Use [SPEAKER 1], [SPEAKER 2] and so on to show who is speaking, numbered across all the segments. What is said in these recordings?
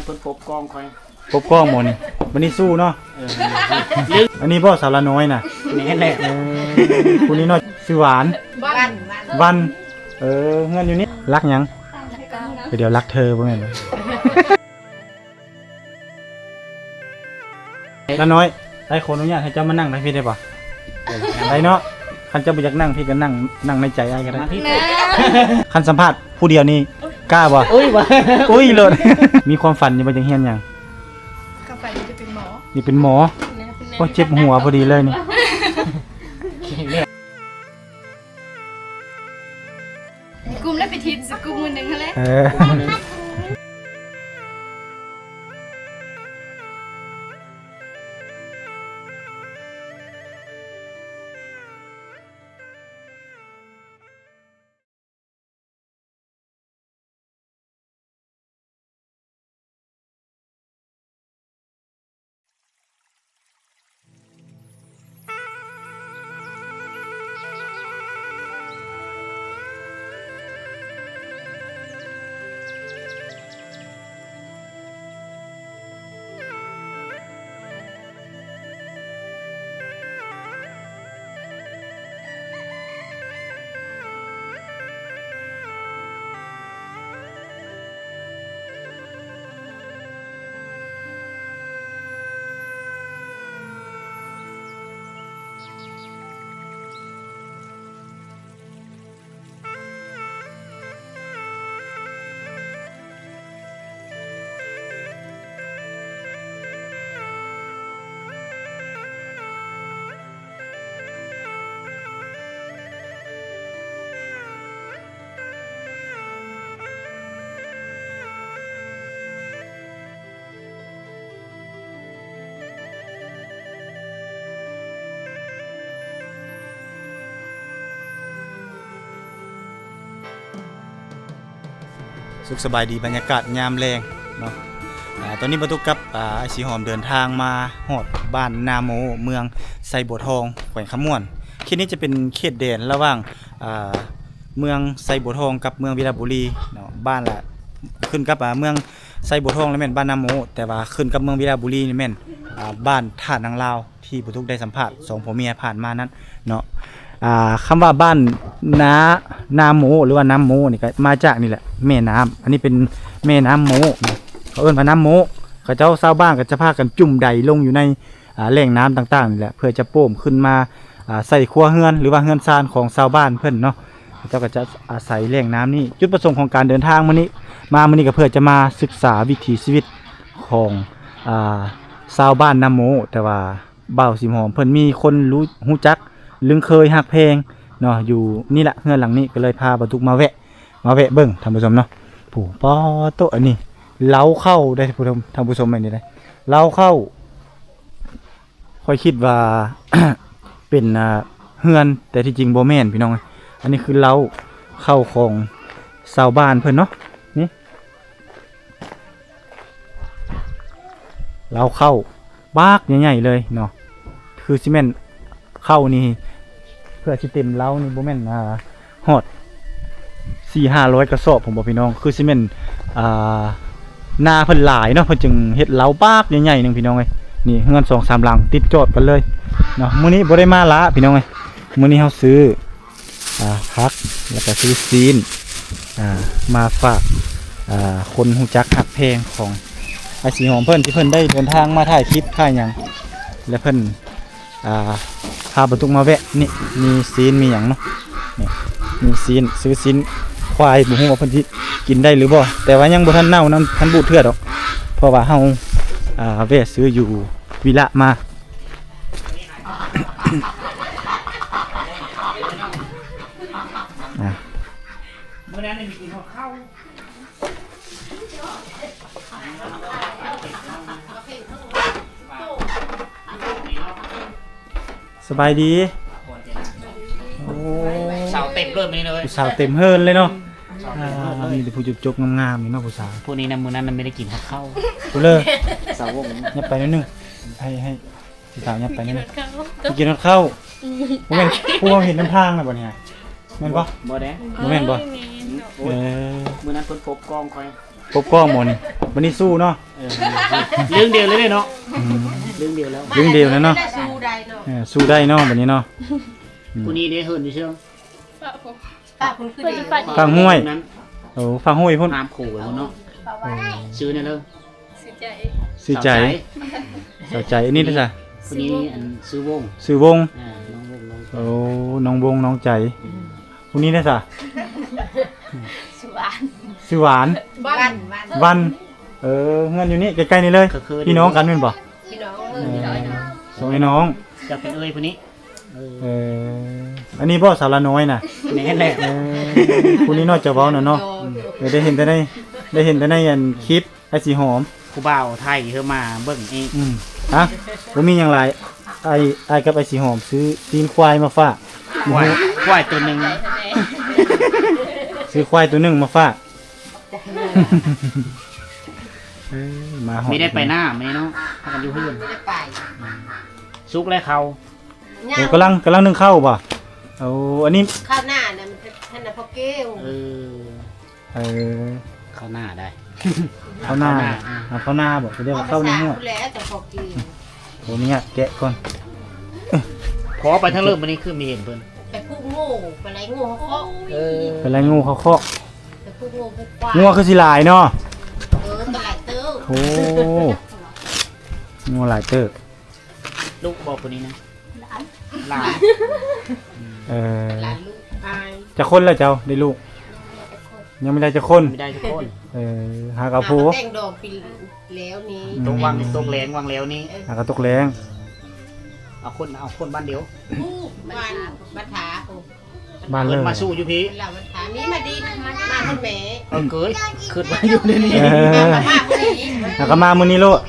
[SPEAKER 1] เพิ่นปบกองค่อย
[SPEAKER 2] ปบกล้องหมดนี่วันนี้สู้เนาะอันนี้พ่อสาวละน้อยน่ะ
[SPEAKER 1] นี่แหละ
[SPEAKER 2] คุณนี่เนาะชื่อหวานวันเงินอยู่นี่รักยังเดี๋ยวรักเธอบ่แม่นบ่ละน้อยได้ขออนุญาตให้เจ้ามานั่งได้พี่ได้ป่ะได้เนาะคันเจ้าบ่อยากนั่งพี่ก็นั่งในใจอ้ายก็ได้คันสัมภาษณ์ผู้เดียวนี่กล้าบ่อุ้ยโลดมีความฝันอยู่บ่จังเฮียนหยัง
[SPEAKER 3] ก็ฝันจะเป็นหมอ
[SPEAKER 2] นี่เป็นหมอโอ้เจ็บหัวพอดีเลยนี่
[SPEAKER 3] กลุ่มแล้วไปทิศกลุ่มนึงนั่นแหละ
[SPEAKER 2] สุขสบายดีบรรยากาศยามแรงเนาะตอนนี้บรรทุกกับไอสีหอมเดินทางมาฮอดบ้านนาโมเมืองไซบัวทองแขวงขม่วนเขตนี้จะเป็นเขตแดนระหว่างเมืองไซบัวทองกับเมืองวิลาบุรีเนาะบ้านละขึ้นกับเมืองไซบัวทองแล้วแม่นบ้านนาโมแต่ว่าขึ้นกับเมืองวิลาบุรีนี่แม่นบ้านท่านางลาวที่บรรทุกได้สัมภาษณ์2ผัวเมียผ่านมานั้นเนาะคำว่าบ้านนาโมหรือว่าน้ำโมนี่ก็มาจากนี่แหละแม่น้ำอันนี้เป็นแม่น้ำโมเขาเอิ้นว่าน้ำโมเขาเจ้าชาวบ้านก็จะพากันจุ่มใดลงอยู่ในแหล่งน้ำต่างๆนี่แหละเพื่อจะโป่มขึ้นมาใส่ครัวเฮือนหรือว่าเฮือนซานของชาวบ้านเพิ่นเนาะเจ้าก็จะอาศัยแหล่งน้ำนี้จุดประสงค์ของการเดินทางมื้อนี้ก็เพื่อจะมาศึกษาวิถีชีวิตของชาวบ้านน้ำโมแต่ว่าบ่าวสิมหอมเพิ่นมีคนรู้จักลึงเคยหักเพลงเนาะอยู่นี่แหละเฮือนหลังนี้ก็เลยพาบรรทุกมาแวะเบิ่งท่านผู้ชมเนาะผู้ป้อโตอันนี้เล้าเข้าได้ท่านผู้ชมอันนี้ได้เล้าเข้าค่อยคิดว่า เป็นเฮือนแต่ที่จริงบ่แม่นพี่น้องอันนี้คือเล้าเข้าของชาวบ้านเพิ่นเนาะนี่เล้าเข้าบากใหญ่ๆเลยเนาะคือซีเมนต์เข้านี่เพื่อสิเต็มเล้านี่บ่แม่นฮอด 4-500 กระสอบผมบอกพี่น้องคือซีเมนต์นาเพิ่นหลายเนาะเพิ่นจึงเฮ็ดเล้าบากใหญ่ๆนึงพี่น้องเอ้ยนี่เฮือน 2-3 หลังติดจอดกันเลยเนาะมื้อนี้บ่ได้มาละพี่น้องเอ้ยมื้อนี้เฮาซื้อผักแล้วก็ซื้อซีนมาฝากคนฮู้จักหักเพลงของไอ้สีหอมเพิ่นที่เพิ่นได้เดินทางมาถ่ายคลิปถ่ายหยังและเพิ่นพาบรรทุกมาแวะนี่มีซีนมีหยังเนาะนี่มีซีนซื้อซีนควายบ่ฮู้ว่าเพิ่นสิกินได้หรือบ่แต่ว่ายังบ่ทันเน่านั้นทันบูดเทื่อดอกเพราะว่าเฮาแวะซื้ออยู่วิละมามื้อนั้นมีกินข้าวสบายดีโอ้
[SPEAKER 1] สาวเต็มเริ่มเลย
[SPEAKER 2] ผู้สาวเต็มเฮิร์นเลยเนาะมีแต่ผู้จุกๆงามๆนี่เนาะผู้สาว
[SPEAKER 1] พวกนี้นะมื้อนั้นมันไม่ได้กินข้าว
[SPEAKER 2] กูเลย
[SPEAKER 1] สาววง
[SPEAKER 2] ยับไปนิดนึงให้ผู้สาวยับไปนิดนึงกินข้าวบ่แม่นผู้เห็นน้ำทางน่ะบ่เนี่ยแม่นบ่
[SPEAKER 1] บ่แด้
[SPEAKER 2] บ่แม่นบ่
[SPEAKER 1] มื้อนั้นเพิ่นปบกองค่อย
[SPEAKER 2] ปบกองหมดนี่วันนี้สู้เนาะ
[SPEAKER 1] เรื่องเดียวเลยเนาะ
[SPEAKER 2] อืม
[SPEAKER 1] เรื่องเดียวแล้ว
[SPEAKER 2] เรื่องเดียวแล้วเนาะ
[SPEAKER 4] สู้ได้เนาะ
[SPEAKER 2] สู้ได้เนาะบัดนี้เนาะ
[SPEAKER 1] ผู้นี้ได้เฮิร์นอยู่เชียว
[SPEAKER 4] ป้าคุณคือดี
[SPEAKER 2] ฟังห้วย
[SPEAKER 1] นั้น
[SPEAKER 2] โอ้ฟังห้วยพุ่น
[SPEAKER 1] น้ำขู่ไว้พุ่นเนาะซื้อเนี่ยเลย
[SPEAKER 2] ซื้อใจสาวใจอันนี้ด้วยจ้ะ
[SPEAKER 1] ผู้นี้อันซื้อวง
[SPEAKER 2] ซื้อวง
[SPEAKER 1] น้องวงน้อง
[SPEAKER 2] โอ้น้องวงน้องใจผู้นี้ด้วยจ้ะ ชื่อหวาน
[SPEAKER 4] บ้าน
[SPEAKER 2] วัน เงินอยู่นี่ใกล้ๆนี่เลย
[SPEAKER 1] ก็คือ
[SPEAKER 2] พี่น้องกันเป็นบ่
[SPEAKER 4] พี่น้อง
[SPEAKER 2] สองไอ้น้อง
[SPEAKER 1] จะเป็นเอ้ยผู้นี้
[SPEAKER 2] อันนี้บ่สาวละน้อยน่ะ
[SPEAKER 1] แน่แหละ
[SPEAKER 2] ผู้นี้น้อยจะเว้าน่ะเนาะได้เห็นแต่ในอันคลิปไอ้สีหอม
[SPEAKER 1] ผู้บ่าวไทยเธอมาเบิ่งเอง
[SPEAKER 2] ฮะบ่มีหยังหลายไอ้กับไอ้สีหอมซื้อตีนควายมาฝาก
[SPEAKER 1] ควายตัวหนึ่ง
[SPEAKER 2] ซื้อควายตัวหนึงมาฝากมาหอม
[SPEAKER 1] ไม่ได้ไปหน้าไม่เนาะพากันอยู่เพื่อน
[SPEAKER 4] ไม่ได้ไป
[SPEAKER 1] ซุกและเขา
[SPEAKER 2] กำลังนึ่งข้าวป่ะเอาอันนี้
[SPEAKER 4] ข้าวหน้าเนี่ยมันท่านน่ะพ่อเก้ว
[SPEAKER 2] เออ
[SPEAKER 1] เข้าหน้าได้
[SPEAKER 2] ข้าวหน้าข้าวหน้าบอกเขาเรียกว่าข้าวในหัว
[SPEAKER 4] แล้วแต่พ่อเก้ว
[SPEAKER 2] โหเนี่ยแกะก่อน
[SPEAKER 1] ขอไปทั้งเริ่มวันนี้คือมีเห็นเพิ่น
[SPEAKER 4] ไปพูดโง่ไปไรโง่เขาเคาะ
[SPEAKER 2] เป็นไรงูเขาเคาะ
[SPEAKER 4] ไปพูดโง่พูดควาย
[SPEAKER 2] งัวคือสิหลายเนาะ
[SPEAKER 4] ตลาดเต้า
[SPEAKER 2] โอ้งัวหลายเติบ
[SPEAKER 1] ลูกบอกคนนี้นะหลาน
[SPEAKER 4] หลานลูกอาย
[SPEAKER 2] จะคนแล้วเจ้าได้ลูก ยังไม่ได้จะคน
[SPEAKER 1] ไม่ได้ทุกคน
[SPEAKER 2] หากระพู
[SPEAKER 4] แต่งดอกปีแล้วนี้
[SPEAKER 1] ตรงวังตรงแรงวังแล้วนี่
[SPEAKER 2] หากระตกแรง
[SPEAKER 1] เอาคนบ้านเดียว
[SPEAKER 4] บ้านบัถาโอ้
[SPEAKER 2] บ้านเล
[SPEAKER 1] เพิ่
[SPEAKER 2] ย
[SPEAKER 1] นมาสู้อยู่พี่
[SPEAKER 4] เป็นเหล่าบัถามีมาดีมาคนแม่
[SPEAKER 1] เกยขึ้นมาอยู่ในนี้
[SPEAKER 4] มาคนนี้
[SPEAKER 2] หากมามื้อนี้โลด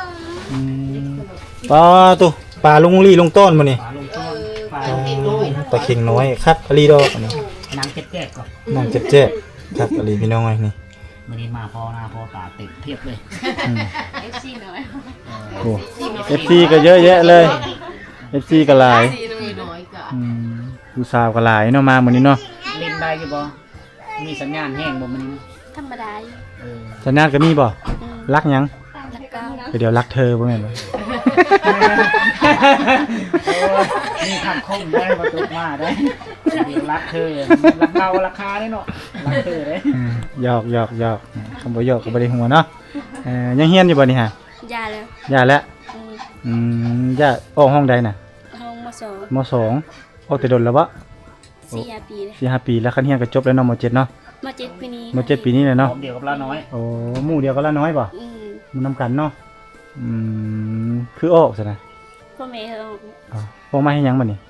[SPEAKER 2] ปลาตุปลาลุงลี่ลุงต้นมื้อนี้
[SPEAKER 1] ฝาลงต้นฝา
[SPEAKER 2] ตะเข่งน้อยคักอลีดอกอันนี้
[SPEAKER 1] นางแจ๊กก่อน
[SPEAKER 2] น้องเจ๊ๆคักอลีพี่น้องไอ้นี่
[SPEAKER 1] วันนี้มาพอหน้าพอตาติดเพียบเลย
[SPEAKER 3] FC น้อย
[SPEAKER 2] โอ้ FC ก็เยอะแยะเลย FC ก็หลาย
[SPEAKER 4] สีน้อยก็
[SPEAKER 2] ผู้สาวก็หลายเนาะมามื้อนี้เนาะ
[SPEAKER 1] เล่นได้อยู่บ่มีสัญญาณแห้งบ่มัน
[SPEAKER 3] ธรรมดาอยู่
[SPEAKER 2] สัญญาณก็มีบ่รักหยัง
[SPEAKER 3] แล้วก็
[SPEAKER 2] เดี๋ยวรักเธอบ่แม่นบ่
[SPEAKER 1] นี่คำคมได้ประตูมาได้รักเธอรักเราราคาได้เนาะรักเธอเลย
[SPEAKER 2] หยอกคำบ่หยอกก็บ่ได้หัวเนาะยังเฮียนอยู่บ่นี่ฮะ
[SPEAKER 3] ยาแล้ว
[SPEAKER 2] ย่าแล้วย่าออกห้องใดน่ะ
[SPEAKER 3] ห้องมสอง
[SPEAKER 2] มสองออกแต่ดนแล้วบ่
[SPEAKER 3] 4 ปีเลย
[SPEAKER 2] 4-5 ปีแล้วคันเฮียนก็จบแล้วเนาะม7เนาะ
[SPEAKER 3] ม7ปีนี้
[SPEAKER 2] ม7ปีนี้แหละ
[SPEAKER 1] พร้
[SPEAKER 2] เนาะ
[SPEAKER 1] อมเดียวกับเราน้อย
[SPEAKER 2] โอ้หมู่เดียวก็ละน้อยบ่ มันนำกันเนาะคือออกซะนะ
[SPEAKER 3] พ่อแม่เขา
[SPEAKER 2] พวกมาให้หยังบัดนี้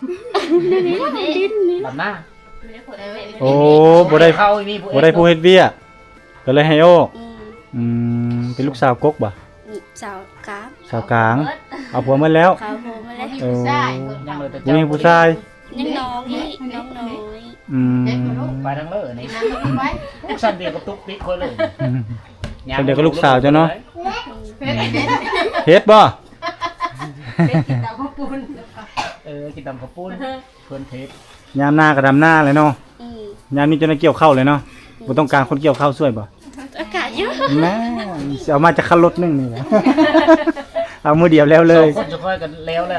[SPEAKER 1] ลำหน้า
[SPEAKER 2] โอ้บ่ได้
[SPEAKER 1] เข้ามี
[SPEAKER 2] บ่ได้ผู้เฮ็ดเวียกก็เลยให้ออกเป็นลูกสาวกกบ่
[SPEAKER 3] สาวกราฟ
[SPEAKER 2] สาวกลาง เอาผัวมาแล้ว
[SPEAKER 3] ขาวผมมาแล้ว
[SPEAKER 2] โอ้
[SPEAKER 1] ยังเลยแต่
[SPEAKER 2] ผู้หญิงผู้ชาย
[SPEAKER 3] ยังน้องอีกน้องน้อย
[SPEAKER 1] ไปทางเลอนี่
[SPEAKER 4] น้ำมันไว้
[SPEAKER 1] สั่นเดียวกับตุ๊กติ๊กคนเลย
[SPEAKER 2] คนเดียวก็ลูกสาวเจ้าเนาะ
[SPEAKER 4] เพชร
[SPEAKER 2] เฮ็ดบ่
[SPEAKER 4] เพชรกินดาวข้าวปุ้น
[SPEAKER 1] กินตำข้าวปุ้นเพื่อนเทป
[SPEAKER 2] ยามหน้าก็ดำหน้าเลยเนาะ
[SPEAKER 3] อืม
[SPEAKER 2] ยามนี้จะได้เกี่ยวข้าวเลยเนาะบ่ต้องการคนเกี่ยวข้าวช่วยบ่
[SPEAKER 3] อากาศเยอะ
[SPEAKER 2] แม่สิเอามาจากคันรถนึงนี่แหละ เอามือเดียวแล้วเลย
[SPEAKER 1] คนจะค่อยกันแล้วแล้ว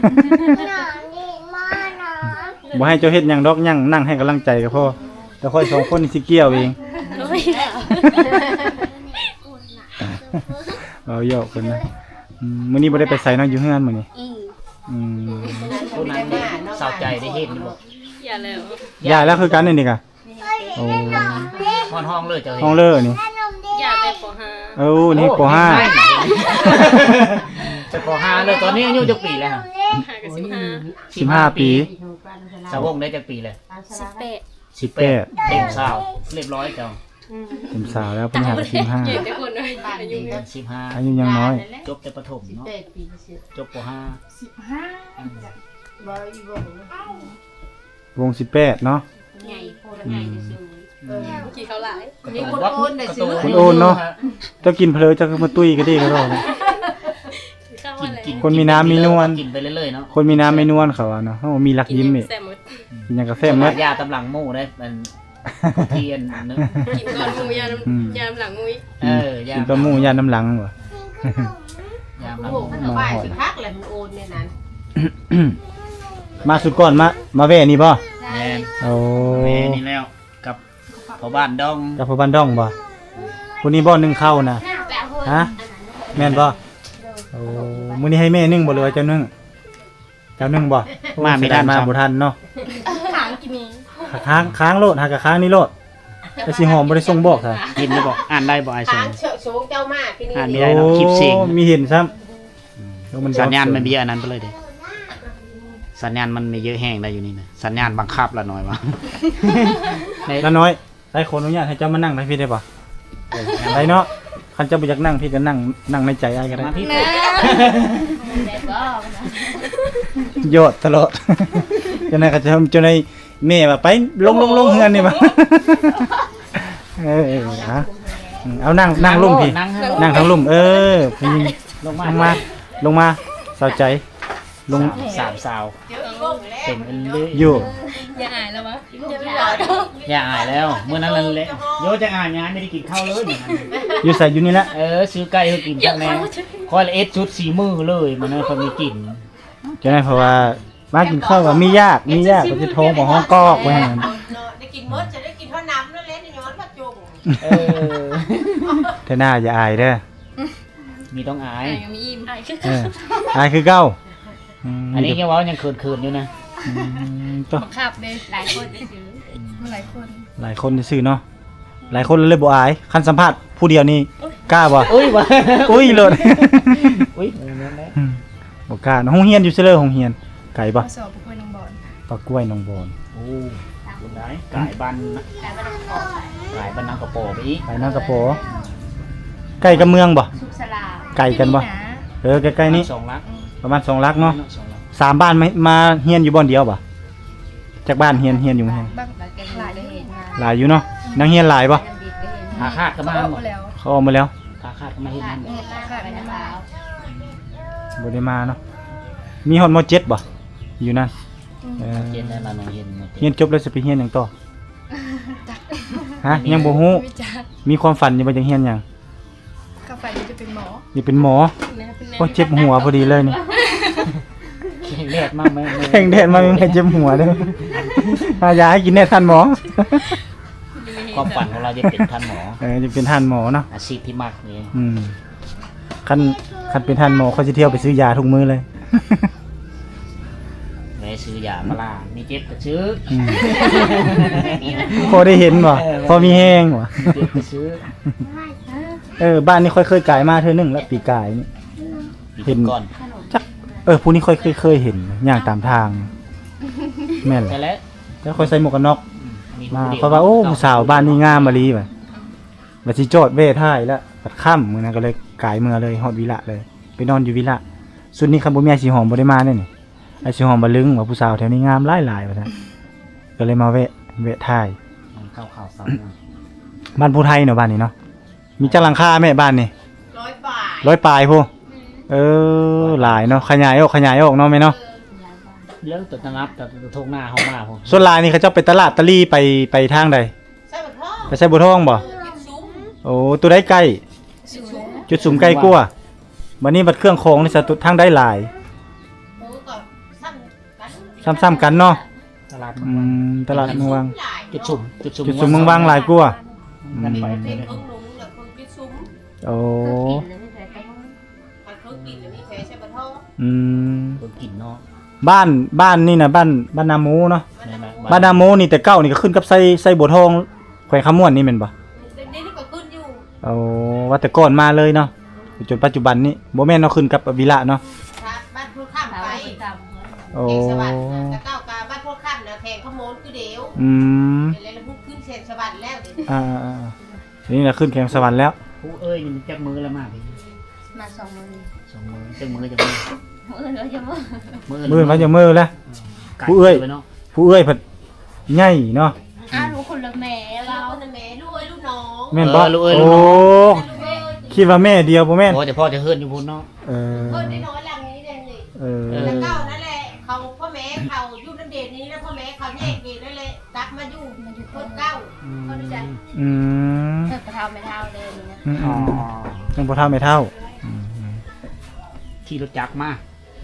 [SPEAKER 2] บ่ให้เจ้าเฮ็ดหยังดอกหยังนั่งให้กำลังใจก็พอแต่ค่อย2คนนี่สิเกี่ยวเอง
[SPEAKER 3] โอ้ย
[SPEAKER 2] เอาเยอะเพิ่นนะมื้อนี้บ่ได้ไปไสเนาะอยู่เฮือนมื้อนี้
[SPEAKER 1] คนนั้นสาวใจได้เห็นบ่
[SPEAKER 3] อย่าแล้ว
[SPEAKER 2] ย้ายแล้วคือกันนี่ก็โอ้
[SPEAKER 1] ห้องเลยเจ้า
[SPEAKER 2] ห้องเลอนี่
[SPEAKER 3] อย่าแต่ป .5
[SPEAKER 2] เอ้านี่ป
[SPEAKER 1] จะป .5 เลยตอนนี้อายุจักปีแล้ว
[SPEAKER 3] 5กับ
[SPEAKER 2] .5 15 ปี
[SPEAKER 1] สาวงได้จักปีเลย
[SPEAKER 3] 18
[SPEAKER 2] 18
[SPEAKER 1] เต็มสาวเรียบร้อยเจ้า
[SPEAKER 2] เป็นสาวแล้วเพิ่นหา
[SPEAKER 3] ใหญ่แต่คนเลยอายุ
[SPEAKER 2] อายุยังน้อย
[SPEAKER 1] จบแต่ประถมเนาะ
[SPEAKER 4] เป็ดปีเสีย
[SPEAKER 1] จบป
[SPEAKER 4] บอยบอยว
[SPEAKER 2] ง18เนาะ
[SPEAKER 3] ใหญ่โคตรใหญ่ที่สุดกี่เขาหลาย
[SPEAKER 4] มีคนโอนได้ซื้อ
[SPEAKER 2] คุณโอนเนาะเจ้ากินเพลอเจ้าก็มาตุ้ยก็ดีก็รอด
[SPEAKER 3] เข้ามาแล้ว
[SPEAKER 2] คนมีน้ำมีนวล
[SPEAKER 1] กินไปเรื่อยๆเนาะ
[SPEAKER 2] คนมีน้ำไม่นวลเขาอะเนาะเขามีรักยิ้มอีก
[SPEAKER 3] แซ่บหมด
[SPEAKER 2] กินหยังกาแฟหมด
[SPEAKER 1] ยาตำลังหมู่ได้มันเทียนนึง
[SPEAKER 3] กินก่อนหมูยามหลังมุ้ย
[SPEAKER 1] ยา
[SPEAKER 2] กินต้มหมูยาน้ำหลังบ่
[SPEAKER 1] ยาม
[SPEAKER 4] โอ้โหมันเอาไปสิพักแหละมันโอนเนี่ยนั้น
[SPEAKER 2] มาสุดก่อนมาแว่นี่บ่
[SPEAKER 3] ใช่
[SPEAKER 2] โอ้
[SPEAKER 1] แม่นี่แล้วกับพ่อบ้านดอง
[SPEAKER 2] กับพ่อบ้านดองบ่ผู้นี้บ่นึ่งข้าวนะฮะแม่นบ่โอ้มื้อนี้ให้แม่นึ่งบ่หรือว่าเจ้านึ่งเจ้านึ่งบ่มาบ่ทันเนาะ
[SPEAKER 3] ขางกินนี้
[SPEAKER 2] ค้างโลดหากะค้างนี่โลดแต่สิหอมบ่ได้ส่งบอกซะ
[SPEAKER 1] กินได้บ่อ่านได้บ่ไอ้ส
[SPEAKER 4] ทาง งเชิงสูงเจ้ามากที่นี่
[SPEAKER 1] ไม่ได้เนาะคลิปเสียง
[SPEAKER 2] มีเห็นซ้ำ
[SPEAKER 1] สัญญาณมันมีอันนั้นไปเลยเด้สัญญาณมันมีเยอะแห้งได้อยู่นี่นะสัญญาณบังคับละหน่อยวะ
[SPEAKER 2] แล้วน้อยได้ขออนุญาตให้เจ้ามานั่งได้พี่ได้ป่ะได้เนาะคันเจ้าบ่อยากนั่งพี่ก็นั่งในใจอ้ายก็ได้
[SPEAKER 1] มาพี่
[SPEAKER 3] นะ
[SPEAKER 2] โยดตลอด จังได๋ก็จะจนได้แม่ว่าไปลงเฮือนนี่บ่ ฮะเอานั่งลงพี่นั่งทางลุ่มพี่
[SPEAKER 1] ลงมา
[SPEAKER 2] ลงมาเศร้าใจลง
[SPEAKER 1] สามสาว
[SPEAKER 4] เดี๋ยวอีกวงแล้ว
[SPEAKER 1] เต็มเลย
[SPEAKER 2] อยู่
[SPEAKER 3] อย่าอายแล้ววะ
[SPEAKER 1] อย่าอายแล้วเมื่อนั้นนั่นแหละโยจะอายงานไม่ได้กินข้าวเลยเหมือนกัน
[SPEAKER 2] อยู่ใส่อยู่นี่แหละ
[SPEAKER 1] ซื้อไก่ให้กินจักแน่คอยละเอ็ดชุดสีมือเลยมันนั้นเขามีกลิ่น
[SPEAKER 2] จังได๋เพราะว่ามากินข้าวว่ามียากก็สิโทรบ่ฮ้องกอกไว้ให้มัน
[SPEAKER 4] ได้กินมดจะได้กินเท่าน้ำนั่นแหละในย้อนพระจง
[SPEAKER 2] เธอหน้าอย่าอายเด้อ
[SPEAKER 1] มีต้องอาย
[SPEAKER 3] อายยังมีอิ่มอายคือ
[SPEAKER 2] อายคือเก่า
[SPEAKER 1] อันนี้แค่ว่ายังเขินๆอยู่นะ
[SPEAKER 2] ตัว
[SPEAKER 3] บังคับเลยหลายคนได้ซื้อหลายคน
[SPEAKER 2] หลายคนซื่อเนาะหลายคนเลยบ่อายคันสัมภาษณ์ผู้เดียวนี่กล้าบ่
[SPEAKER 1] อุ้ยวะ
[SPEAKER 2] อุ้ยโลด
[SPEAKER 1] อุ้ยนั่นแหละ
[SPEAKER 2] บ่กล้าโรงเรียนอยู่เซเลอร์โรงเรียนไกลบ่
[SPEAKER 3] สอบผู้คนน้องบอล
[SPEAKER 2] ปากกล้วยน้องบอน
[SPEAKER 1] โอ้คุณได้กายบันกายบันนางกระโปรงไปอีก
[SPEAKER 2] ไปนางกระโปใกล้กับเมืองบ่
[SPEAKER 3] สุขสลา
[SPEAKER 2] ไกลกันบ่ใกล้ๆนี้
[SPEAKER 1] 2 ลัก
[SPEAKER 2] ประมาณ2ลักเนาะ
[SPEAKER 1] 2 ลัก
[SPEAKER 2] 3บ้านมาเฮียนอยู่บ่อนเดียวบ่จากบ้านเฮียนอยู่แฮง
[SPEAKER 3] บ้างหลายเลยเห็นมา
[SPEAKER 2] หลายอยู่เนาะนังเฮียนหลายบ่
[SPEAKER 1] หาคาดก็มา
[SPEAKER 3] เอา
[SPEAKER 1] หมด
[SPEAKER 3] แล้ว
[SPEAKER 2] เขาออกมาแล้ว
[SPEAKER 1] หาคาดก็มาเห็นนั่น
[SPEAKER 3] ขาดไปมา
[SPEAKER 2] บ่ได้มาเนาะมีฮอดม .7 บ่อยู่นั่น
[SPEAKER 1] เจนได้ละน้องเห็นหมด
[SPEAKER 2] เฮียนจบแล้วสิไปเฮียนหยังต่อฮะยังบ่ฮู้
[SPEAKER 3] วิจารณ์
[SPEAKER 2] มีความฝันอยู่บ่จังเฮียนหยัง
[SPEAKER 3] กาแฟจะเป็นหมอ
[SPEAKER 2] นี่เป็นหมอ
[SPEAKER 3] เป็น
[SPEAKER 2] โอ้เจ็บหัวพอดีเลยนี่
[SPEAKER 1] เลือดมากไหม
[SPEAKER 2] แข่งแดดมาไม่เจ็บหัวเด้อหายาให้กินแน่ทันหมอ
[SPEAKER 1] ความฝันของเราจะเป็นท่านหมอ
[SPEAKER 2] จะเป็นทันหมอเนาะ
[SPEAKER 1] อาชีพที่มากนี่
[SPEAKER 2] คันเป็นทันหมอเขาจะเที่ยวไปซื้อยาทุกมื้อเลย
[SPEAKER 1] แม่ซื้อยามาล่ามีเจ็บก็ซื้อ
[SPEAKER 2] พอได้เห็นบ่พอมีแห้งบ่
[SPEAKER 1] เจ็บก็ซื้อ
[SPEAKER 2] บ้านนี้ค่อยเคยกายมาเทื่อนึงแล้วปีกายนี่ เห็น
[SPEAKER 1] ก่อน
[SPEAKER 2] ผู้นี้ค่อยเคยเห็นย่างตามทาง แม่นแห
[SPEAKER 1] แต่
[SPEAKER 2] ละ
[SPEAKER 1] แล้ว
[SPEAKER 2] แล้วค่อยใส่หมวกกันน็อกมา
[SPEAKER 1] ผู้ดียว
[SPEAKER 2] เพราะว่าโอ้ผู้สาวบ้านนี้งามมาลีบัดสิจอดเวท้ายแล้วบัดค่ำมื้อนั้นก็เลยกายเมือเลยฮอดวิละเลย ไปนอนอยู่วิละสุดนี้คันบ่มีไอ้สิหอมบ่ได้มาแน่นี่ไอ้สิหอมบ่ลึงว่าผู้สาวแถวนี้งามหลายๆว่าซั่นก็เลยมาแวะท้าย
[SPEAKER 1] มันเข้าข่าวซ้ำ
[SPEAKER 2] บ้านผู้ไทยเนาะบ้านนี้เนาะมีจักหลังคาแม่บ้านนี่
[SPEAKER 4] 100 บาท
[SPEAKER 2] 100ปลายพูหลายเนาะขยายออกเนาะแม่เนาะ
[SPEAKER 1] เรื่องตัวนับแต่ตัวทงหน้าเขามาผม
[SPEAKER 2] ส่วนหลายนี่เขาเจ้าไปตลาดตะลี่ไปทางใด
[SPEAKER 4] ใส่บัตรทอง
[SPEAKER 2] ไปใส่บัวทองบ่
[SPEAKER 4] กินซุ้ม
[SPEAKER 2] โอ้ตัวได้ใกล้
[SPEAKER 4] กินซุ้ม
[SPEAKER 2] จุดสุ่มใกล้กลัวบัดนี้บัดเครื่องของนี่สะตุทางได้หลาย
[SPEAKER 4] โอ้ก็ซ้ำกัน
[SPEAKER 2] ซ้ำๆกันเนาะ
[SPEAKER 1] ตลาด
[SPEAKER 2] ตลาดเมืองวัง
[SPEAKER 4] หลาย
[SPEAKER 1] จุดสุ่ม
[SPEAKER 2] จุดสุ่มเมืองวังหลายกลัว
[SPEAKER 1] กันไป
[SPEAKER 4] เป็
[SPEAKER 1] เล
[SPEAKER 4] น
[SPEAKER 1] ย
[SPEAKER 4] เครื่องลุงแล้วเครื่องกินซุ้ม
[SPEAKER 2] โอ้
[SPEAKER 4] มันเครื่องกินแล้วมีแผลใส่บัตรทอง
[SPEAKER 2] อืม
[SPEAKER 1] คนกินเนาะ
[SPEAKER 2] บ้านนี่นะบ้านนาโมเนาะ
[SPEAKER 1] นี่นะ
[SPEAKER 2] บ้านนาโมนี่แต่เก้านี่ก็ขึ้นกับไส้บัวทองแขวงขมวนนี่แม่นบ่
[SPEAKER 4] เดี๋ยวนี้ก็ขึ้นอยู่
[SPEAKER 2] เอาว่าแต่ก่อนมาเลยเนาะจนปัจจุบันนี้บ่แม่นเนาะขึ้นกับวิละเนาะ
[SPEAKER 4] ครับบ้านพูดข้ามไป
[SPEAKER 2] โอ้
[SPEAKER 4] แขงสวัสดิ์แต่ก้าวกาบ้านพูดข้ามนะแขงขโมนคือเดียว
[SPEAKER 2] อืม
[SPEAKER 4] เป็นอะไรแล้วพูดขึ้นแขงสวัสดิ์แล้วเดี๋ยวนี้
[SPEAKER 2] ทีนี้เราขึ้นแข่งสวรรค์แล้ว
[SPEAKER 1] ผู้เอ้ยมันจับมือแล้วมากพี่
[SPEAKER 3] มา2 มื้อ
[SPEAKER 1] 2 มือจับมือจะมือ
[SPEAKER 3] มื้อแล้วจะมื้อ
[SPEAKER 2] มือมันจะมือแล้ว ผู้เอ้ย
[SPEAKER 1] เนาะ
[SPEAKER 2] ผู้เอ้ยผัดใหญ่เนาะ
[SPEAKER 3] รู้คนละแม่
[SPEAKER 4] เรา
[SPEAKER 3] เรา
[SPEAKER 4] คนแม่ลูกเอ้ยลูกน้อง
[SPEAKER 2] แม่นบ่
[SPEAKER 1] ลูกเอ้ย
[SPEAKER 2] โอ้
[SPEAKER 1] ลูกน้อง
[SPEAKER 4] ลูกเอ้ย
[SPEAKER 2] คิดว่าแม่เดียวบ่แม่น
[SPEAKER 1] โอ้แต่พ่อจะเฮิร์นอยู่พุ่นเนาะ
[SPEAKER 2] เออ
[SPEAKER 4] เพิ่นน้อยๆหลังนี้เด่นเลย
[SPEAKER 2] เออ
[SPEAKER 4] แล้วเก้านั่นแหละเขาพ่อแม่เขาอยู่นั่นเด่นนี้แล้วพ่อแม่เขาแยกเด่นนั่นแหละตักมาอยู่เพิ่นเก้า
[SPEAKER 2] อ
[SPEAKER 3] รู้จัก
[SPEAKER 2] อืม
[SPEAKER 3] กระเทาไม่เท่าเดิมนะ
[SPEAKER 2] อืม
[SPEAKER 1] อ๋อ
[SPEAKER 2] ยังบ่เท่าไม่เท่าอืม
[SPEAKER 1] ขี่รถจักรมา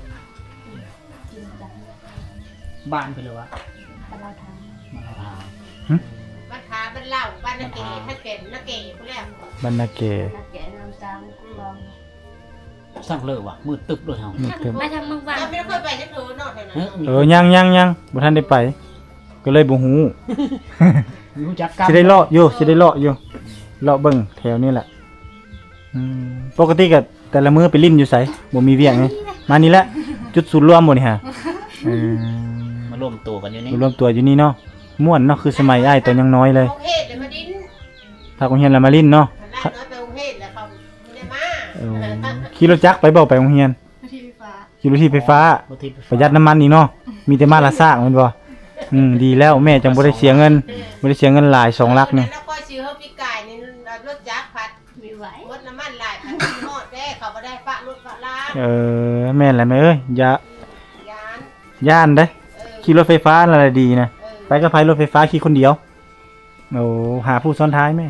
[SPEAKER 1] บ้านไปเลยวะ
[SPEAKER 3] แต่เราท
[SPEAKER 1] มาลา
[SPEAKER 4] บ้านขาบ้านเหล้าบ้านนาเกถ้าเก่นาเกผู้แรก
[SPEAKER 2] บรรณาเกศ
[SPEAKER 3] ำนักแกะน้ำจังลอง
[SPEAKER 1] สั่งเลยวะมืดตึ๊บเลยเฮา
[SPEAKER 2] นี่เต็ม
[SPEAKER 3] ไม่ทำบางวัน
[SPEAKER 4] เราไม่ได้เคยไปจะถือนอกเลยนะ
[SPEAKER 1] เฮ้ย
[SPEAKER 2] ยังบ่ทันได้ไป ก็เลยบ่ฮู้
[SPEAKER 1] มีรู้จักกัน
[SPEAKER 2] สิได้เลาะอยู่เลาะเบิ่งแถวนี้แหละอืมปกติก็แต่ละมื้อไปลิ้นอยู่ไสบ่มีเวียงไงมานี่แหละจุดศูนย์รวมบ่นี่ฮะเออ
[SPEAKER 1] มารวมตัวกันอยู่นี่
[SPEAKER 2] รวมตัวอยู่นี่เนาะม่วนเนาะคือสมัยอ้ายตอนยังน้อยเลย
[SPEAKER 4] กรุงเทพเลยมาดิ้น
[SPEAKER 2] ถ้าโรงเรียนละมาลิ้นเนาะ
[SPEAKER 4] ร้านน้อยไปกรุงเทพแล้วเขาไม่ได้มา
[SPEAKER 2] เออขี่รถจักรไปบ่ไปโรงเรียน
[SPEAKER 3] ที่ไฟฟ้า
[SPEAKER 2] ขี่รถที่ไฟฟ้า
[SPEAKER 1] บ่ทิพ
[SPEAKER 2] ประหยัดน้ำมันนี่เนาะมีแต่มาละซากแม่นบ่ดีแล้วแม่จังบ่ได้เสียเงินบ่ได้เสียเงินหลาย2ลักนี่
[SPEAKER 4] แล้วก็ซื้อเฮาปีกายนี่รถจักรผัด
[SPEAKER 3] มีไหว
[SPEAKER 4] รถน้ำมันหลายพันหมดแด้เขาบ่ได้ปะรถปะล้าง
[SPEAKER 2] แม่นแหละแม่เอ้ยอย่าย
[SPEAKER 4] าน
[SPEAKER 2] ย่านเด้ ขี่รถไฟฟ้าอะไรดีนะ
[SPEAKER 4] เออ
[SPEAKER 2] ไปกับไผรถไฟฟ้าขี่คนเดียวโอ้หาผู้ซ้อนท้ายแม่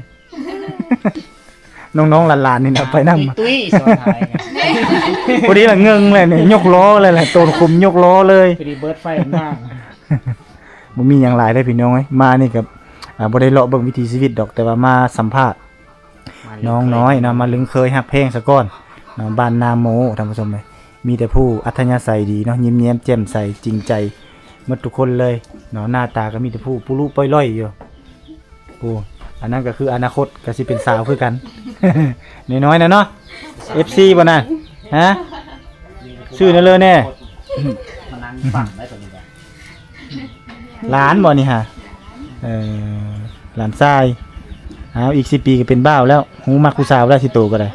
[SPEAKER 2] น้องๆหลานๆนี่นะไปนั่งมา
[SPEAKER 1] ตุ้ยสอนท้ายไง
[SPEAKER 2] พอดีละเงิงเลยเนี่ยยกล้อเลยแหละโตนคุมยกล้อเลย
[SPEAKER 1] พอดีเบิร์ดไฟมาก
[SPEAKER 2] บ่มีหยังหลายได้อพี่น้องเอ้ยมานี่กับบ่ได้เลาะเบิ่งวิถีชีวิตดอกแต่ว่ามาสัมภาษณ์น้องน้อยนะมาลึงเคยฮักเพลงซะก่อนเนาะบ้านนาโมท่านผู้ชมเอ้ยมีแต่ผู้อัธยาศัยดีเนาะยิ้มแย้มแจ่มใสจริงใจหมดทุกคนเลยเนาะหน้าตาก็มีแต่ผู้ปุรุป้อยล่อยอยู่โอ้อันนั้นก็คืออนาคตก็สิเป็นสาวคือกัน น้อยๆนะเนาะ FC บ่น่ะฮะ ชื่อนั่นเลยแน่
[SPEAKER 1] มานั่งฟังได้ตัวนี้แหละ
[SPEAKER 2] หลานบ่นี่ฮะหลานชายอีก10 ปีก็เป็นบ้าวแล้วหูมักผู้สาวแล้วสิโตก็ได้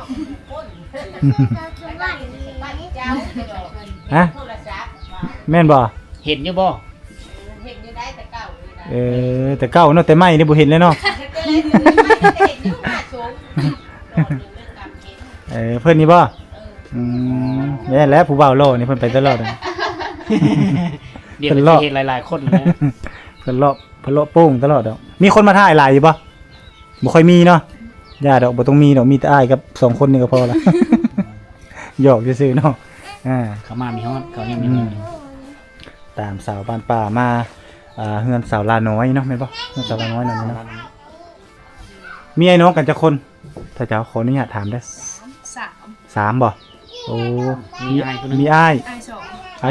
[SPEAKER 4] บ้านเจ้า
[SPEAKER 2] ฮะ
[SPEAKER 4] โทรศัพท์
[SPEAKER 2] แม่นบ่
[SPEAKER 1] เห็นอยู่บ่
[SPEAKER 4] เห็นอยู่ได้แต่เก่าเลยนะ
[SPEAKER 2] แต่เก่าเนาะแต่ไม่นี่บ่เห็นเลยเนาะ
[SPEAKER 4] เห็นอยู่มาสูงโดนเรื่องกรรมเห็น
[SPEAKER 2] เพิ่นนี่บ่แม่นแล้วผู้บ่าวโลนี่เพิ่นไปตลอดอะ
[SPEAKER 1] เดี๋ยว
[SPEAKER 2] เป็น
[SPEAKER 1] เรา
[SPEAKER 2] รอบ
[SPEAKER 1] เห็นหลายๆคนเลย
[SPEAKER 2] เพิ่นเลาะโป้งตลอดดอกมีคนมาถ่ายหลายอยู่บ่บ่ค่อยมีเนาะย่าดอกบ่ต้องมีดอกมีแต่อ้ายกับ2คนนี่ก็พอละ หยอกซื่อๆเนาะ
[SPEAKER 1] เขามามีฮอดเขายังมีฮอด
[SPEAKER 2] ตามสาวบ้านป่ามาเฮือนสาวลาน้อยเนาะแม่นบ่เฮือนสาวลาน้อยนั่นเนาะมีไอ้น้องกันจักคน ถ้าเจ้าขออนุญาตถามได้
[SPEAKER 3] สาม
[SPEAKER 2] 3บ่โอ้
[SPEAKER 1] มีอ้ายคนหนึง
[SPEAKER 2] มีอ้าย
[SPEAKER 3] ไอสอง
[SPEAKER 2] อ้าย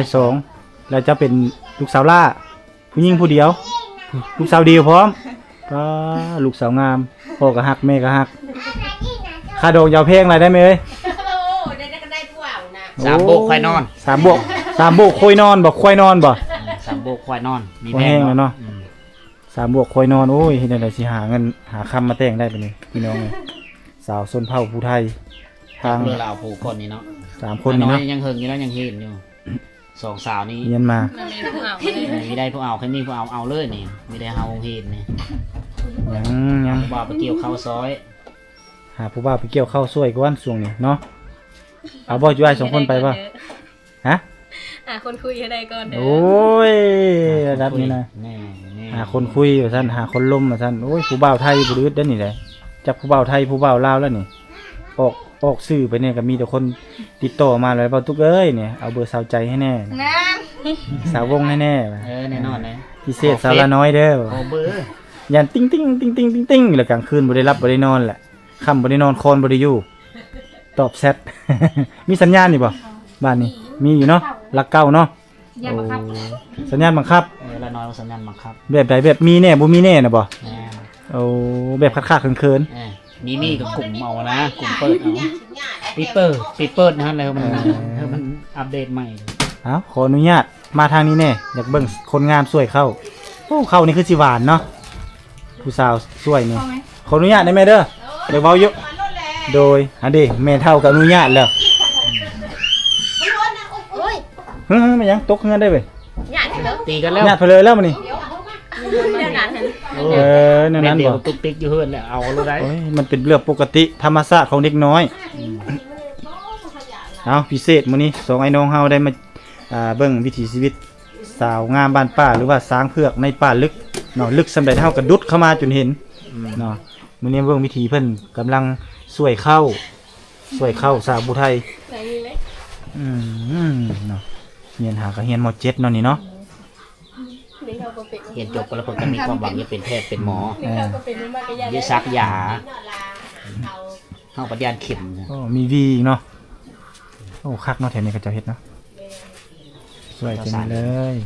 [SPEAKER 2] 2แล้วจะเป็นลูกสาวล่าผู้หญิงผู้เดียว ลูกสาวเดียวพร้อมก็ลูกสาวงามพ่อก็ฮักแม่ก็ฮักค่าดอกยาวเพลงอะไรได้ไหมเอ้ย
[SPEAKER 4] โอ้ได้ก็ได้ผู้เอานะ
[SPEAKER 1] สามโบกควายนอน
[SPEAKER 2] 3 โบก3 โบกคุยนอนบ่คุยนอนบ่
[SPEAKER 1] สามโบกควายนอนมี
[SPEAKER 2] บ่แห้งแล้วเนาะ
[SPEAKER 1] อืม
[SPEAKER 2] 3 โบกคุยนอนโอ้ยเฮ็ดจังได๋สิหาเงินหาคำมาแต่งได้ปะนี่พี่น้องเอ้ยสาวชนเผ่าผู้ไทยทาง
[SPEAKER 1] เรือเราผู้คนนี่เนาะ
[SPEAKER 2] 3 คนนี่
[SPEAKER 1] อย
[SPEAKER 2] เนาะ
[SPEAKER 1] ยังเฮิงอยู่แล้วยังเห็นอยู่สองสาวนี้
[SPEAKER 2] เรียนมา
[SPEAKER 3] มันมีผู้เอาเลย
[SPEAKER 1] มีได้ผู้เอาใครมีผู้เอาเลยนี่มีได้เฮาเห็นนี่
[SPEAKER 2] ยัง
[SPEAKER 1] ผู้บ่าวไปเกี่ยวข้าวซอย
[SPEAKER 2] หาผู้บ่าวไปเกี่ยวข้าวสวยก่อนช่วงนี้เนาะเอาบ่อยู่อ้าย2คนไปบ่ฮะ
[SPEAKER 3] คนคุยอะไรก่อนเด้อ
[SPEAKER 2] โอ้ยระดับนี้นะ
[SPEAKER 1] แน่แน่
[SPEAKER 2] หาคนคุยว่าซั่นหาคนล้มว่าซั่นโอ้ยผู้บ่าวไทยบ่ดื้อเด้อนี่แหละจักผู้บ่าวไทยผู้บ่าวลาวแล้วนี่ออกสื่อไปเนี่ยก็มีแต่คนติดต่อมาเลยบ่าตุกเอ้ยเนี่ยเอาเบอร์สาวใจให้แน่
[SPEAKER 3] น้
[SPEAKER 2] สาววงให้แน่ว่ะ
[SPEAKER 1] แน่นอนเลย
[SPEAKER 2] พิเศษสาวละน้อยเด้อ
[SPEAKER 1] โอเบอร์
[SPEAKER 2] ยันติ้งติ้งติ้งติ้งติ้งติ้งแล้วกลางคืนบ่ได้รับบ่ได้นอนแหละค่ำบ่ได้นอนคอนบ่ได้อยู่ตอบแชท มีสัญญาณนี่บ่บ้านนี้มีอยู่เนาะหลักเก่าเนาะ
[SPEAKER 3] ำอย่ามาครับ
[SPEAKER 2] สัญญาณบังคับ
[SPEAKER 1] ละน้อยสัญญาณบังคับ
[SPEAKER 2] แบบใดแบบมีแน่บ่มีแน่น่ะบ่
[SPEAKER 1] แน่
[SPEAKER 2] โอ้แบบคักๆเขิน
[SPEAKER 1] มีกับกลุ่มเอานะกลุ่มเปิดเอาปีเปิดนะฮะแล้วมันอัปเดตใหม่
[SPEAKER 2] ๆเอ้าขออนุญาตมาทางนี้แน่อยากเบิ่งคนงามสวยเข้าโอ้เข้านี่คือสิหวานเนาะผู้สาวสวยนี่ขออนุญาตได้ไหมเด้อเดี๋ยวเว้าอยู่โดยอันนี้แม่เฒ่าก็อนุญาตแล้ว
[SPEAKER 3] โอ้ย
[SPEAKER 2] เฮ้ยมันยังตกเงินได้เว้ย
[SPEAKER 3] หยาดเด้อ
[SPEAKER 1] ตีกันแล้ว
[SPEAKER 2] ญาติเพลเลยแล้วมันนี่
[SPEAKER 3] เดี๋ยวนั้นเห็น
[SPEAKER 2] นั่น
[SPEAKER 1] แม่
[SPEAKER 2] นั้น
[SPEAKER 1] เดีย
[SPEAKER 2] บ่
[SPEAKER 1] วตุ๊กติ๊กอยู่เฮือนแล้วเอาเลยได้
[SPEAKER 2] โอ้ยมันเป็นเรื่องปกติธรรมชาติของเด็กน้อยเอาพิเศษมื้อนี้สองไอ้น้องเฮาได้มาเบิ่งวิถีชีวิตสาวงามบ้านป่าหรือว่าสร้างเผือกในป่าลึกเนาะลึกสำาใดเฮากระดุดเข้ามาจนเห็นเนาะมื้อนี้เบิ่งวิธีเพิ่นกำลังสวยเข้าสาวผู้ไทยเนาะเรียนหาก็เรียนม .7 เนาะนี่เนาะ
[SPEAKER 5] เรียนจบแล้วเพิ่นก็มีความหวังจะเป็นแพทย์เป็นหมอ
[SPEAKER 4] Cái
[SPEAKER 5] ยึดซักยาเฮาปัญญาเข็มนะ
[SPEAKER 2] โอ้มีวีอีกเนาะโอ้คักเนาะแถวนี้ก็เจ้าเฮ็ดเนาะสวยจังเลย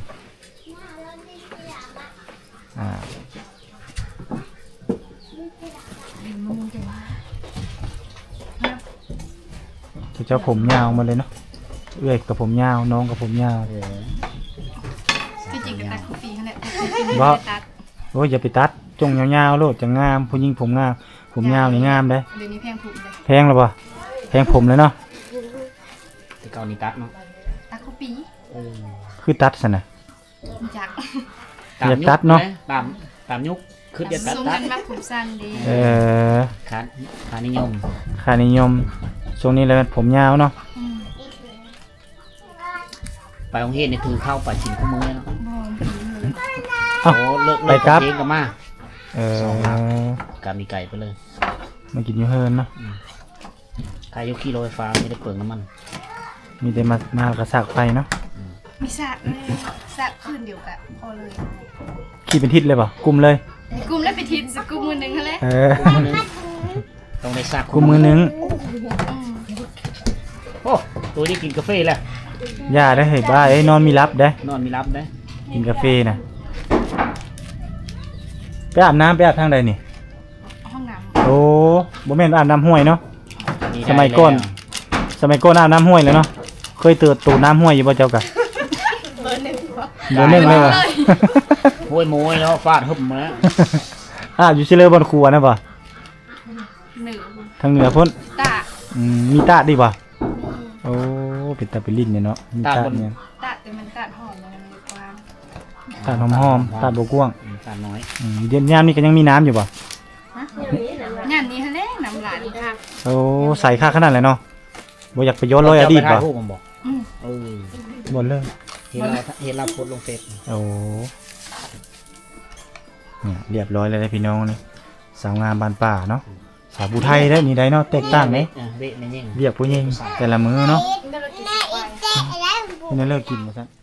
[SPEAKER 2] เจ้าผมยาวมาเลยเนาะเอื้อยกับผมยาวน้องกับผมยาว
[SPEAKER 3] ที่จริงก็ตัดคุปีนั่นแหละ
[SPEAKER 2] บ่
[SPEAKER 3] ตัด
[SPEAKER 2] โอ้ยอย่าไปตัดจงยาวๆโลดจะงามผู้หญิงผมงามผมยาวนี่งามเด้
[SPEAKER 3] เดี๋ยวนี้แพงผูกเลย
[SPEAKER 2] แพงแล้วบ่แพงผมเลยเนาะ
[SPEAKER 5] แต่เก่านี่ตัดเนาะ
[SPEAKER 3] ตัดคุปี
[SPEAKER 2] คือตัดซะน่ะ
[SPEAKER 3] จาก
[SPEAKER 2] อย่าตัดเนาะ
[SPEAKER 5] ตามยุคคือจะตัด
[SPEAKER 3] ทรง
[SPEAKER 5] ตั
[SPEAKER 3] กั
[SPEAKER 5] ด
[SPEAKER 3] นมาผมสั้นดี
[SPEAKER 5] ค่านิยม
[SPEAKER 2] ค่านิยมช่วงนี้เลยผมยาวเนาะ
[SPEAKER 5] ไปโรงเรียนนี่ถือเข้าไปชิมคู่มือเนาะ
[SPEAKER 3] บอมผีเลย
[SPEAKER 2] เอ้า
[SPEAKER 5] โอ้เลิก
[SPEAKER 2] ไปครับ
[SPEAKER 5] เองก็มา สองครับ กามีไก่ไปเลย
[SPEAKER 2] มากินอยู่เฮินเนาะ
[SPEAKER 5] ใครยกขี่รถไฟฟ้าไม่ได้เปลืองน้ำมัน
[SPEAKER 2] มีแต่มากระสากไฟเนาะ
[SPEAKER 3] มีสระเลยสระคืนเดียวกันพอเลย
[SPEAKER 2] ขี่เป็นทิศเลยป่ะกลุ่มเลย
[SPEAKER 3] กลุ่มแล้วไปทิศกลุ่มมือหนึ่งนั่นแหละ
[SPEAKER 5] คู่มือนึงต้องได้ซัก
[SPEAKER 2] กลุ่มมือนึง
[SPEAKER 5] โอ้ตัวนี้กินกาแฟแล้ว
[SPEAKER 2] ย่าได้เฮ้ยบ้าเอ้ยนอนมีรับได้
[SPEAKER 5] นอนมีรับได้
[SPEAKER 2] กินกาแฟน่ะไปอาบน้ำไปอาบทางใดนี่
[SPEAKER 3] ห้องน้ำ
[SPEAKER 2] โอ้บ่แม่นอาบน้ำห้วยเนาะ
[SPEAKER 5] ได้
[SPEAKER 2] สมัยก่อน
[SPEAKER 5] แล้ว
[SPEAKER 2] สมัยก่อนอาบน้ำห้วยเลยเนาะเคยเตือนตูน้ำห้วยอยู่บ่เจ้ากะ
[SPEAKER 3] เบอร์หนึ่ง
[SPEAKER 2] เบอร์หนึ่งเลยว่ะ
[SPEAKER 5] โวยโมยแล้วฟาดหึมมาแล้ว
[SPEAKER 2] อาบอยู่ซิเลอร์บนครัวนะบ่
[SPEAKER 3] หนึ่ง
[SPEAKER 2] ทางเหนือพุ่น
[SPEAKER 3] ตา
[SPEAKER 2] มีตาดดีบ่โอ้เป็นตาเป็นลิ้นเนี่ยเนาะมีตาดเนี่ย
[SPEAKER 3] ตาแต่มันตาหอมมันมีความ
[SPEAKER 2] ตาดหอมๆตาดบ่กว้าง
[SPEAKER 5] ตาน้อย
[SPEAKER 2] เดี๋ยวยามนี้ก็ยังมีน้ำอยู่บ่
[SPEAKER 3] งานนี้ฮะเนี่ยน้ำหลานค่ะ
[SPEAKER 2] โอ้ใส่ค่าขนาดเลยเนาะบ่อยากไปย้อนรอยอดีต
[SPEAKER 5] บ่
[SPEAKER 2] บ่
[SPEAKER 5] รูปมันบอกเออ
[SPEAKER 2] บ่เลย
[SPEAKER 5] เห็นเราโพสต์ลงเฟซ
[SPEAKER 2] โอ้เนี่ยเรียบร้อยเลยนะพี่น้องนี่สาวงามบานป่าเนาะสาวผู้ไทยได้นี่ได้เนาะแตกต่างไหม
[SPEAKER 5] เวทในยิ่ง
[SPEAKER 2] เรียกผู้หญิงแต่ละมื้อเนาะ
[SPEAKER 3] ก็เลยกินสบาย
[SPEAKER 2] ไม่ได้เลิกกินมาซะ